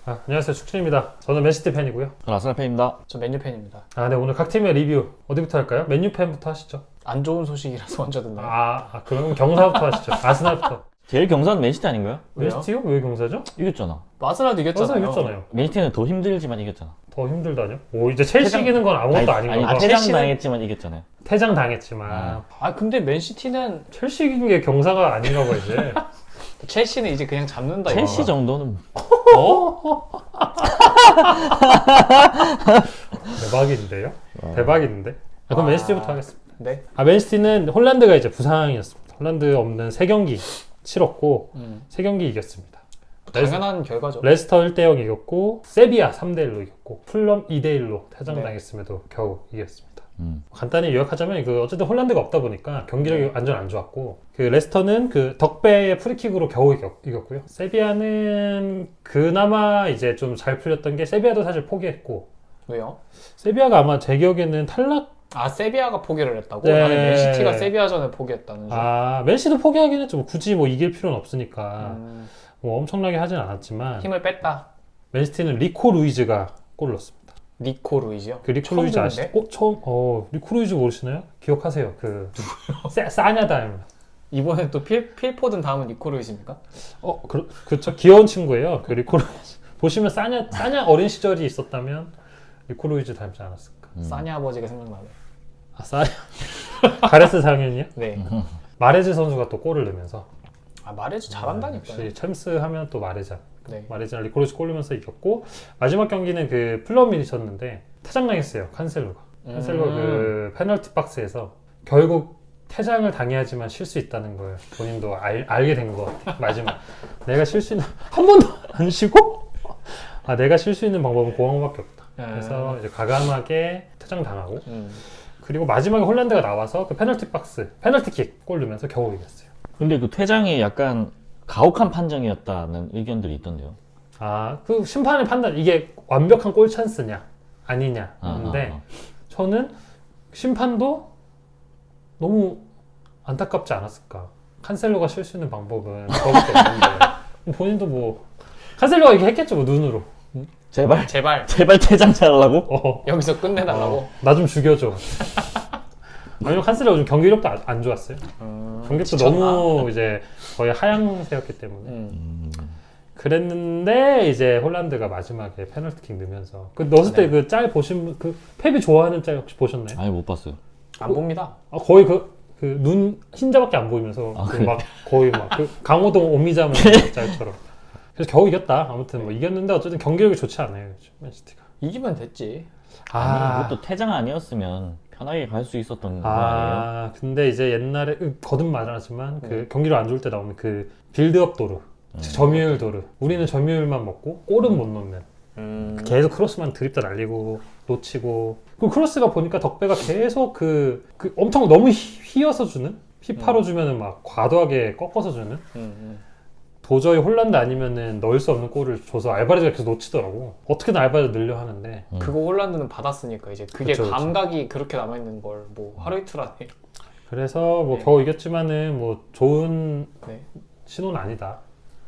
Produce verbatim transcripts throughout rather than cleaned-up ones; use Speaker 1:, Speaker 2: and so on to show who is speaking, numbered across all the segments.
Speaker 1: 아, 안녕하세요, 축진입니다. 저는 맨시티 팬이고요.
Speaker 2: 저는 아스날 팬입니다.
Speaker 3: 저 맨유 팬입니다.
Speaker 1: 아, 네, 오늘 각 팀의 리뷰 어디부터 할까요? 맨유 팬부터 하시죠.
Speaker 3: 안 좋은 소식이라서 먼저 듣나요?
Speaker 1: 아, 아 그럼 경사부터 하시죠. 아스날부터.
Speaker 2: 제일 경사는 맨시티 아닌가요?
Speaker 3: 왜요?
Speaker 1: 맨시티요? 왜 경사죠?
Speaker 2: 이겼잖아.
Speaker 3: 아스날도 이겼잖아요.
Speaker 1: 아스날 이겼잖아요.
Speaker 2: 맨시티는 더 힘들지만 이겼잖아.
Speaker 1: 더 힘들다뇨? 오, 이제 첼시
Speaker 2: 퇴장-
Speaker 1: 이기는 건 아무것도 아닌
Speaker 2: 아니,
Speaker 1: 건가?
Speaker 2: 퇴장
Speaker 3: 첼시는-
Speaker 2: 당했지만 이겼잖아요.
Speaker 1: 퇴장 당했지만
Speaker 2: 아.
Speaker 3: 아 근데 맨시티는
Speaker 1: 첼시 이긴 게 경사가 아닌가 봐 이제.
Speaker 3: 첼시는 이제 그냥 잡는다.
Speaker 2: 첼시
Speaker 3: 이거.
Speaker 2: 정도는
Speaker 1: 어? 대박인데요? 대박인데? 아, 그럼
Speaker 3: 아.
Speaker 1: 맨시티부터 하겠습니다.
Speaker 3: 네.
Speaker 1: 아, 맨시티는 홀란드가 이제 부상이었습니다. 홀란드 없는 세 경기 치렀고
Speaker 3: 음.
Speaker 1: 세 경기 이겼습니다.
Speaker 3: 당연한 결과죠.
Speaker 1: 레스터 일 대 영 이겼고 세비야 삼 대 일로 이겼고 풀럼 이 대 일로 퇴장당했음에도 겨우 이겼습니다.
Speaker 2: 음.
Speaker 1: 간단히 요약하자면 그 어쨌든 홀란드가 없다 보니까 경기력이 완전 안 좋았고 그 레스터는 그 덕배의 프리킥으로 겨우 이겼, 이겼고요. 세비야는 그나마 이제 좀 잘 풀렸던 게 세비야도 사실 포기했고
Speaker 3: 왜요?
Speaker 1: 세비야가 아마 제 기억에는 탈락
Speaker 3: 아 세비야가 포기를 했다고?
Speaker 1: 네.
Speaker 3: 나는 맨시티가 세비야전에 포기했다는 줄.
Speaker 1: 아 맨시도 포기하긴 했죠. 뭐 굳이 뭐 이길 필요는 없으니까
Speaker 3: 음,
Speaker 1: 뭐 엄청나게 하진 않았지만
Speaker 3: 힘을 뺐다.
Speaker 1: 맨시티는 리코 루이즈가 골을 넣었습니다.
Speaker 3: 니코 루이지요?
Speaker 1: 그 리코
Speaker 3: 처음
Speaker 1: 루이즈
Speaker 3: 듣는데?
Speaker 1: 아시죠? 어, 처음 어 리코 루이즈 모르시나요? 기억하세요. 그 싸- 싸냐 닮은.
Speaker 3: 이번에 또 필, 필포든 다음은 니코 루이지입니까?
Speaker 1: 어, 그, 그렇죠. 귀여운 친구예요. 그 리코 루이즈 보시면 싸냐 싸냐 어린 시절이 있었다면 리코 루이즈 닮지 않았을까?
Speaker 2: 음.
Speaker 3: 사니 아버지가 생각나네.
Speaker 1: 아 싸냐 가레스 상현이요?
Speaker 3: 네.
Speaker 1: 마레즈 선수가 또 골을 넣으면서
Speaker 3: 아 마레즈 잘한다니까요.
Speaker 1: 역시 챔스 하면 또 마레즈.
Speaker 3: 네.
Speaker 1: 마레즈랑 리코 루이즈 골 넣으면서 이겼고 마지막 경기는 그 플럼이셨는데 퇴장당했어요. 칸셀로가. 칸셀로가
Speaker 3: 음.
Speaker 1: 그 페널티 박스에서 결국 퇴장을 당해야지만 쉴 수 있다는 걸 본인도 알, 알게 된 것 같아요. 마지막 내가 쉴 수 있는 한 번도 안 쉬고 아 내가 쉴 수 있는 방법은 공항밖에 없다. 그래서 이제 과감하게 퇴장 당하고
Speaker 3: 음.
Speaker 1: 그리고 마지막에 홀란드가 나와서 그 페널티 박스 페널티킥 골 넣으면서 겨우 이겼어요.
Speaker 2: 근데 그 퇴장이 약간 가혹한 판정이었다는 의견들이 있던데요.
Speaker 1: 아 그 심판의 판단 이게 완벽한 골 찬스냐 아니냐
Speaker 2: 아,
Speaker 1: 근데
Speaker 2: 아, 아.
Speaker 1: 저는 심판도 너무 안타깝지 않았을까. 칸셀로가 쉴 수 있는 방법은 저밖에 없는데 본인도 뭐 칸셀로가 이렇게 했겠죠 뭐 눈으로.
Speaker 2: 제발
Speaker 3: 제발
Speaker 2: 제발 퇴장 잘하려고?
Speaker 1: 어,
Speaker 3: 여기서 끝내달라고.
Speaker 1: 어, 나 좀 죽여줘. 아니면 칸셀로가 좀 경기력도 안, 안 좋았어요.
Speaker 3: 음,
Speaker 1: 경기력도
Speaker 3: 지쳤나?
Speaker 1: 너무 이제 거의 하향세였기 때문에
Speaker 3: 음.
Speaker 2: 음.
Speaker 1: 그랬는데 이제 홀란드가 마지막에 페널티킥 넣으면서 그 넣었을 때
Speaker 3: 네.
Speaker 1: 그 짤 보신 분, 그 펩이 좋아하는 짤 혹시 보셨나요?
Speaker 2: 아니 못 봤어요.
Speaker 3: 안 봅니다.
Speaker 1: 아, 거의 그 그 눈 흰자밖에 안 보이면서
Speaker 2: 아,
Speaker 1: 그
Speaker 2: 그래?
Speaker 1: 막 거의 막 그 강호동 오미자면 짤처럼. 그래서 겨우 이겼다. 아무튼 뭐 이겼는데 어쨌든 경기력이 좋지 않아요, 요즘 맨시티가.
Speaker 3: 이기면 됐지.
Speaker 2: 아니 이것도 퇴장 아니었으면 편하게 갈 수 있었던 거 아니에요?
Speaker 1: 아, 근데 이제 옛날에 으, 거듭 말하지만 그
Speaker 3: 네.
Speaker 1: 경기력 안 좋을 때 나오는 그 빌드업 도루,
Speaker 2: 음.
Speaker 1: 점유율 도루. 우리는 점유율만 먹고 골은 못 넣는.
Speaker 3: 음.
Speaker 1: 계속 크로스만 드립다 날리고 놓치고. 그 크로스가 보니까 덕배가 계속 그, 그 엄청 너무 휘, 휘어서 주는 휘파로 주면은 막 과도하게 꺾어서 주는.
Speaker 3: 음, 음.
Speaker 1: 도저히 홀란드 아니면은 넣을 수 없는 골을 줘서 알바레즈가 계속 놓치더라고. 어떻게든 알바레즈 늘려 하는데.
Speaker 2: 음.
Speaker 3: 그거 홀란드는 받았으니까 이제 그게
Speaker 1: 그쵸, 그쵸.
Speaker 3: 감각이 그렇게 남아있는 걸 뭐 하루 이틀 안에.
Speaker 1: 그래서 뭐
Speaker 3: 네.
Speaker 1: 겨우 이겼지만은 뭐 좋은
Speaker 3: 네.
Speaker 1: 신호는 아니다.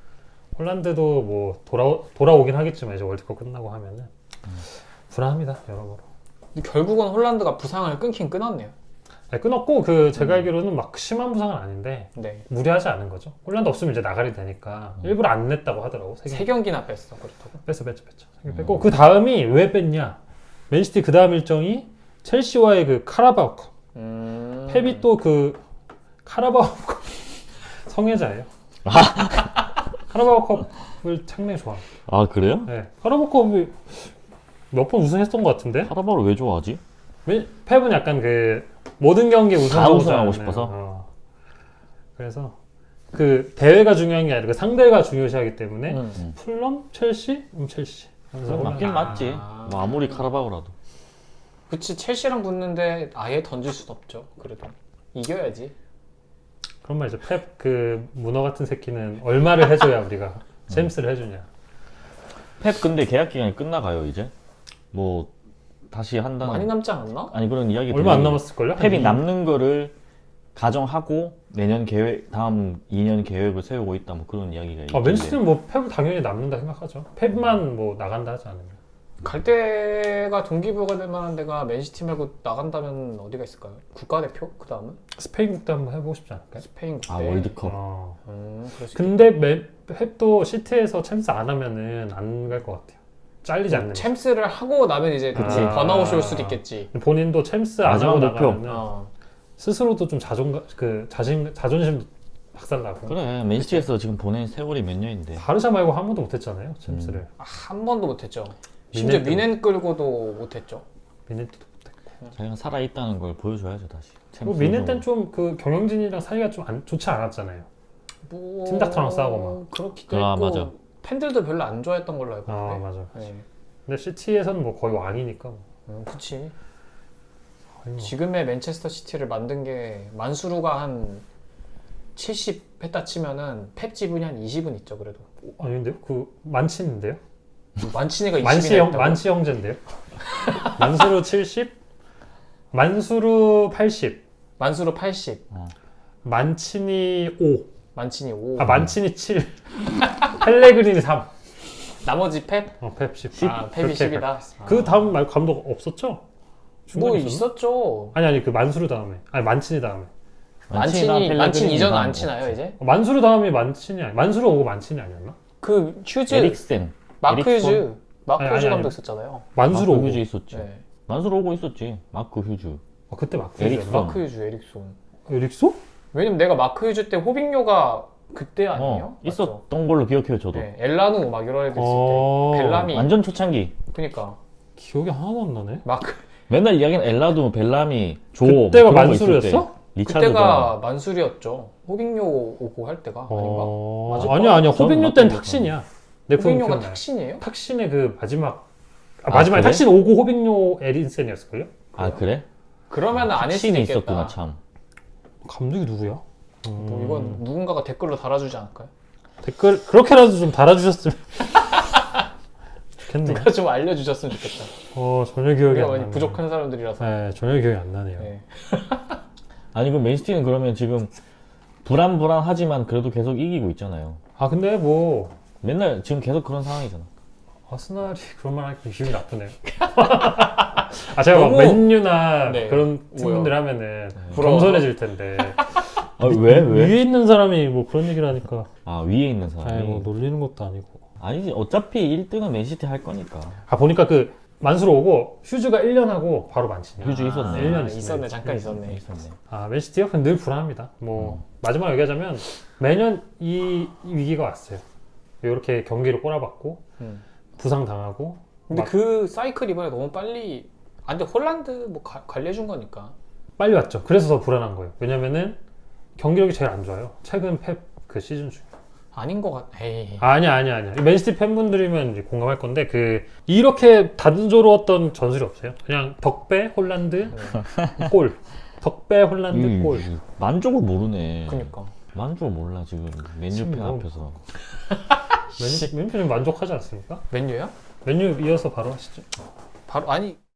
Speaker 1: 홀란드도 뭐 돌아 돌아오긴 하겠지만 이제 월드컵 끝나고 하면은 불안합니다 여러모로.
Speaker 3: 근데 결국은 홀란드가 부상을 끊긴 끊었네요.
Speaker 1: 아니, 끊었고 그 제가
Speaker 3: 음.
Speaker 1: 알기로는 막 심한 부상은 아닌데
Speaker 3: 네.
Speaker 1: 무리하지 않은 거죠. 홀란드 없으면 이제 나가리 되니까 일부러 안 냈다고 하더라고. 세
Speaker 3: 세
Speaker 1: 경
Speaker 3: 경기나 뺐어 그렇다고.
Speaker 1: 뺐어 뺐죠 뺐죠. 세 경 뺐고 그 다음이 왜 뺐냐? 맨시티 그 다음 일정이 첼시와의 그 카라바오컵.
Speaker 3: 음.
Speaker 1: 펩이 또 그 카라바오컵 성애자예요. 카라바오컵을 상당히 좋아합니다.
Speaker 2: 아 그래요?
Speaker 1: 네, 카라바오컵이 몇 번 우승했던 것 같은데.
Speaker 2: 카라바오를 왜 좋아하지?
Speaker 1: 왜- 펩은 약간 그 모든 경기
Speaker 2: 다
Speaker 1: 우승하고
Speaker 2: 우승하고
Speaker 1: 싶어서.
Speaker 2: 싶어서?
Speaker 1: 그래서 그 대회가 중요한 게 아니라 그 상대가 중요시하기 때문에
Speaker 3: 음.
Speaker 1: 풀럼, 첼시, 음 첼시. 그래서
Speaker 2: 그럼 맞긴
Speaker 3: 아.
Speaker 2: 맞지. 뭐 아무리 카라바오라도.
Speaker 3: 그치 첼시랑 붙는데 아예 던질 순 없죠. 그래도 이겨야지.
Speaker 1: 그런 말 이제 펩 그 문어 같은 새끼는 얼마를 해줘야 우리가 잼스를 해주냐.
Speaker 2: 펩 근데 계약 기간이 끝나가요 이제. 뭐 다시 한다는.
Speaker 3: 많이 남지 않았나?
Speaker 2: 아니 그런 이야기.
Speaker 1: 얼마 안
Speaker 2: 들리고.
Speaker 1: 남았을걸요?
Speaker 2: 펩이
Speaker 1: 한 이-
Speaker 2: 남는 거를 가정하고 내년 계획 다음 이 년 계획을 세우고 있다 뭐 그런 이야기가
Speaker 1: 아,
Speaker 2: 있던데.
Speaker 1: 맨시티는 뭐 펩 당연히 남는다 생각하죠. 펩만 뭐 나간다 하지 않으면.
Speaker 3: 갈 데가 동기부여가 될 만한 데가 맨시티 말고 나간다면 어디가 있을까요? 국가대표? 그 다음은?
Speaker 1: 스페인 국대 한번 해보고 싶지 않을까요?
Speaker 3: 스페인 국대.
Speaker 2: 아 월드컵.
Speaker 1: 어.
Speaker 3: 음, 그럴 수
Speaker 1: 근데 매, 펩도 시티에서 챔스 안 하면은 안 갈 것 같아요. 잘리지 않는.
Speaker 3: 있겠다. 챔스를 하고 나면 이제
Speaker 1: 그치.
Speaker 3: 아... 번아웃이 올 수도 있겠지.
Speaker 1: 본인도 챔스 안
Speaker 2: 마지막
Speaker 1: 하고
Speaker 2: 목표.
Speaker 1: 나가면은
Speaker 3: 어.
Speaker 1: 스스로도 좀 자존감, 그 자신 자존심 박살나고.
Speaker 2: 그래 맨시티에서 지금 보낸 세월이 몇 년인데.
Speaker 1: 바르샤 말고 한 번도 못했잖아요, 챔스를.
Speaker 3: 아, 한 번도 못했죠. 심지어
Speaker 1: 미넨도
Speaker 3: 미넨 끌고도 못했죠.
Speaker 1: 미네트도 못했고.
Speaker 2: 자기가 살아 있다는 걸 보여줘야죠 다시.
Speaker 1: 그리고 미네 때는 좀 그 경영진이랑 사이가 좀 안, 좋지 않았잖아요.
Speaker 3: 뭐...
Speaker 1: 팀닥터랑 싸우고 막.
Speaker 3: 그렇기도
Speaker 2: 아,
Speaker 3: 했고
Speaker 2: 맞아.
Speaker 3: 팬들도 별로 안 좋아했던 걸로 알고
Speaker 1: 아
Speaker 3: 있는데.
Speaker 1: 맞아.
Speaker 3: 네.
Speaker 1: 근데 시티에서는 뭐 거의 왕이니까. 뭐.
Speaker 3: 음, 그치.
Speaker 1: 거의 뭐.
Speaker 3: 지금의 맨체스터 시티를 만든 게 만수르가 한 칠십 했다 치면은 펩 지분이 한 이십은 있죠 그래도.
Speaker 1: 아니 근데 그 만치인데요?
Speaker 3: 만치니가
Speaker 1: 만치
Speaker 3: 이십이나
Speaker 1: 형
Speaker 3: 있다고?
Speaker 1: 만치 형제인데요? 만수르 칠십, 만수르 팔십,
Speaker 3: 만수르 팔십,
Speaker 1: 만치니 오,
Speaker 3: 만치니 오.
Speaker 1: 아 만치니 칠, 펠레그리니 삼,
Speaker 3: 나머지 펩?
Speaker 1: 어, 펩 십.
Speaker 3: 아, 펩이 십이다.
Speaker 1: 그 다음 말 감독 없었죠?
Speaker 3: 뭐
Speaker 1: 중간에 있었나?
Speaker 3: 있었죠.
Speaker 1: 아니 아니 그 만수르 다음에, 아니 만치니 다음에.
Speaker 3: 만치니 만치니 이전은 안
Speaker 2: 뭐.
Speaker 3: 치나요 이제?
Speaker 1: 어, 만수르 다음이 만치니 아니 만수르 오고 만치니 아니었나?
Speaker 3: 그 휴즈
Speaker 2: 에릭센.
Speaker 3: 마크
Speaker 2: 에릭сон?
Speaker 3: 휴즈 마크
Speaker 1: 아니,
Speaker 3: 휴즈
Speaker 1: 아니,
Speaker 3: 감독
Speaker 1: 아니.
Speaker 3: 있었잖아요.
Speaker 1: 만수르
Speaker 2: 마크
Speaker 1: 오고.
Speaker 2: 휴즈 있었지.
Speaker 3: 네.
Speaker 2: 만수르 오고 있었지. 마크 휴즈.
Speaker 1: 어, 그때 마크
Speaker 2: 에릭슨.
Speaker 1: 휴즈였나?
Speaker 3: 마크 휴즈 에릭손.
Speaker 1: 에릭소?
Speaker 3: 왜냐면 내가 마크 휴즈 때 호빙요가 그때 아니에요?
Speaker 2: 어, 있었던 걸로 기억해요 저도.
Speaker 3: 네, 엘라누 막 이런 애들 있을
Speaker 1: 어,
Speaker 3: 때 벨라미
Speaker 2: 완전 초창기.
Speaker 3: 그니까
Speaker 1: 기억이 하나도 안 나네.
Speaker 3: 마크
Speaker 2: 맨날 이야기는 엘라도, 벨라미, 조.
Speaker 1: 그때가
Speaker 2: 뭐 그런 거 있을
Speaker 1: 만수르였어?
Speaker 2: 때. 리차드가.
Speaker 3: 그때가 만수리였죠. 호빙요 오고 할 때가 아닌가?
Speaker 1: 어...
Speaker 3: 맞을
Speaker 1: 아니야 아니야
Speaker 2: 저는
Speaker 1: 호빙요
Speaker 2: 맞던
Speaker 1: 때는
Speaker 2: 것
Speaker 1: 탁신이야. 내
Speaker 3: 호빙요가
Speaker 1: 기억나요.
Speaker 3: 탁신이에요?
Speaker 1: 탁신의 그 마지막 아,
Speaker 2: 아,
Speaker 1: 마지막에
Speaker 2: 그래?
Speaker 1: 탁신 오고 호빙요 에린센이었을걸요?
Speaker 2: 아 그래?
Speaker 3: 그러면 안 했을 수도
Speaker 2: 신이
Speaker 3: 있겠다.
Speaker 2: 있었구나 참.
Speaker 1: 감독이 누구야?
Speaker 3: 뭐 이건 누군가가 댓글로 달아주지 않을까요?
Speaker 1: 댓글 그렇게라도 좀 달아주셨으면 좋겠네요.
Speaker 3: 누가 좀 알려주셨으면 좋겠다.
Speaker 1: 어 전혀 기억이
Speaker 3: 우리가
Speaker 1: 안
Speaker 3: 많이
Speaker 1: 나네.
Speaker 3: 부족한 사람들이라서.
Speaker 1: 네 전혀 기억이 안 나네요.
Speaker 3: 네.
Speaker 2: 아니 그럼 맨시티는 그러면 지금 불안불안하지만 그래도 계속 이기고 있잖아요.
Speaker 1: 아 근데 뭐
Speaker 2: 맨날 지금 계속 그런 상황이잖아.
Speaker 1: 아스날이 그런 말 하니까 기분이 나쁘네요. 아 제가 막
Speaker 3: 너무-
Speaker 1: 맨유나
Speaker 3: 네.
Speaker 1: 그런
Speaker 3: 뭐요?
Speaker 1: 팀분들 하면은
Speaker 3: 부러워서?
Speaker 1: 겸손해질 텐데
Speaker 2: 아, 왜 왜?
Speaker 1: 위에 있는 사람이 뭐 그런 얘기를 하니까
Speaker 2: 아 위에 있는 사람이.
Speaker 1: 아니 뭐 놀리는 것도 아니고.
Speaker 2: 아니지 어차피 일 등은 맨시티 할 거니까.
Speaker 1: 아 보니까 그 만수로 오고 휴즈가 일 년 하고 바로 만치냐.
Speaker 2: 휴즈 있었네.
Speaker 1: 아, 일 년
Speaker 3: 아,
Speaker 1: 있었네.
Speaker 3: 있었네. 잠깐 있었네.
Speaker 2: 있었네.
Speaker 1: 아 맨시티가 근데 늘 불안합니다. 뭐 마지막 얘기하자면 매년 이, 이 위기가 왔어요. 이렇게 경기를 꼬라박고
Speaker 3: 음.
Speaker 1: 부상 당하고.
Speaker 3: 근데
Speaker 1: 막
Speaker 3: 그 사이클 이번에 너무 빨리. 아 근데 홀란드 뭐 가- 관리해준 거니까.
Speaker 1: 빨리 왔죠. 그래서 더 불안한 거예요. 왜냐면은 경기력이 제일 안 좋아요. 최근 펩 그 시즌 중에.
Speaker 3: 아닌 것 같. 에이.
Speaker 1: 아니야 아니야 아니야. 맨시티 팬분들이면 이제 공감할 건데 그 이렇게 단조로웠던 전술이 없어요. 그냥 덕배 홀란드 골. 덕배 홀란드
Speaker 2: 음,
Speaker 1: 골.
Speaker 2: 만족을 모르네.
Speaker 3: 그니까.
Speaker 2: 만족을 몰라 지금 맨유 팬
Speaker 1: 지금 뭐-
Speaker 2: 앞에서.
Speaker 1: 맨유 맨유 좀 만족하지 않습니까?
Speaker 3: 맨유야?
Speaker 1: 맨유 이어서 바로 하시죠.
Speaker 3: 바로 아니